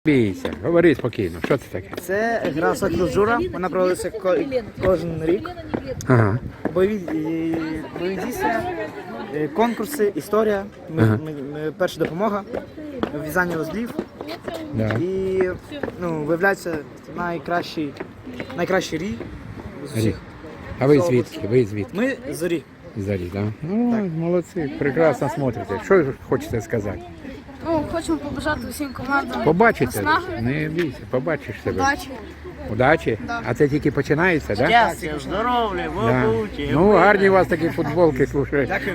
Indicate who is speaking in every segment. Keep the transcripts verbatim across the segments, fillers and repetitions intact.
Speaker 1: Бійся, говори спокійно, що це таке?
Speaker 2: Це гра «Сокіл Джура», вона проводиться ко- кожен рік.
Speaker 1: Ага.
Speaker 2: Бойові, і- бойові дійства, е, конкурси, історія, ми,
Speaker 1: Ага.
Speaker 2: ми, ми- перша допомога, в'язання узлів.
Speaker 1: Да.
Speaker 2: І ну, виявляється найкращий, найкращий рій з
Speaker 1: Рік.
Speaker 2: усіх.
Speaker 1: А ви звідки? Ви звідки?
Speaker 2: Ми зорі.
Speaker 1: Зарі, так? Ну, молодці, прекрасно смотрите. Що ви хочете сказати?
Speaker 3: Ну, хочемо побажати усім командам.
Speaker 1: Побачите?
Speaker 3: наснаги,
Speaker 1: Не бійся, побачиш себе.
Speaker 3: удачі.
Speaker 1: Удачі?
Speaker 3: Да.
Speaker 1: А це тільки починається, так? Да?
Speaker 4: Щастя, здоров'я,
Speaker 1: Да.
Speaker 4: бабуті.
Speaker 1: Ну, гарні у вас такі футболки, слушай.
Speaker 2: Дякую.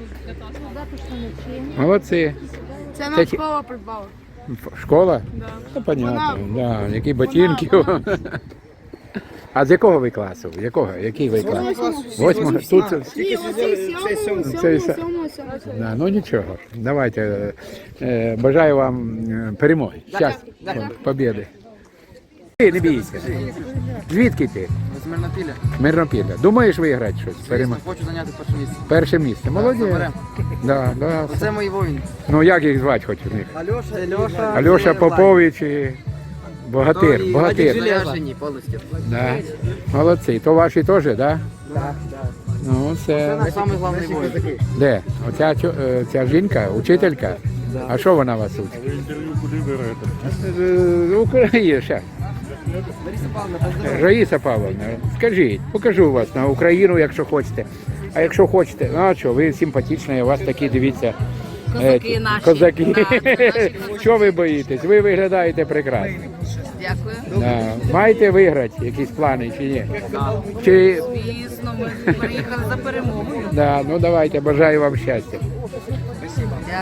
Speaker 1: Молодці.
Speaker 3: Це
Speaker 1: Це
Speaker 3: нам
Speaker 1: ті-
Speaker 3: школа придбала.
Speaker 1: Ф- Школа?
Speaker 3: Да.
Speaker 1: Ну, понятно,
Speaker 3: Вона-
Speaker 1: да. Які ботинки. А з якого ви класу? Якого? Який ви клас? Восьмого? Тут це-
Speaker 2: Тільки сьогодні- цей сьомий.
Speaker 1: Це все- Да, ну нічого. Давайте. Е, бажаю вам е, перемоги. Щастя, побєди. Ти не бійся. Звідки ти?
Speaker 5: З Мирнопілля.
Speaker 1: Мирнопілля. Думаєш виграти щось? Перемо...
Speaker 5: Хочу зайняти перше місце.
Speaker 1: Перше місце. Молодець.
Speaker 5: заберемо.
Speaker 1: Да, да.
Speaker 5: Це мої воїни.
Speaker 1: Ну як їх звати хоч у них?
Speaker 2: Альоша, Льоша.
Speaker 1: Альоша Попович і Богатир. Богатир.
Speaker 5: Заряжені повністю.
Speaker 1: Да. Молодці. То ваші теж, так? Да? Ну, це...
Speaker 5: Це самий головний воїн.
Speaker 1: Де? Оця чо- е, ця жінка, учителька? А що вона вас учить? З України, ще. Раїса Павловна, скажіть, покажу вас на Україну, якщо хочете. А якщо хочете, ну а що, ви симпатичні, у вас такі, дивіться,
Speaker 3: Козаки
Speaker 1: е,
Speaker 3: наші.
Speaker 1: Козаки.
Speaker 3: Да, це наші
Speaker 1: Що ви боїтесь? Ви виглядаєте прекрасно.
Speaker 3: Дякую.
Speaker 1: Да. Маєте виграти якісь плани чи ні? Чи...
Speaker 3: Звісно, ми приїхали за перемогою.
Speaker 1: Да, ну давайте, бажаю вам щастя.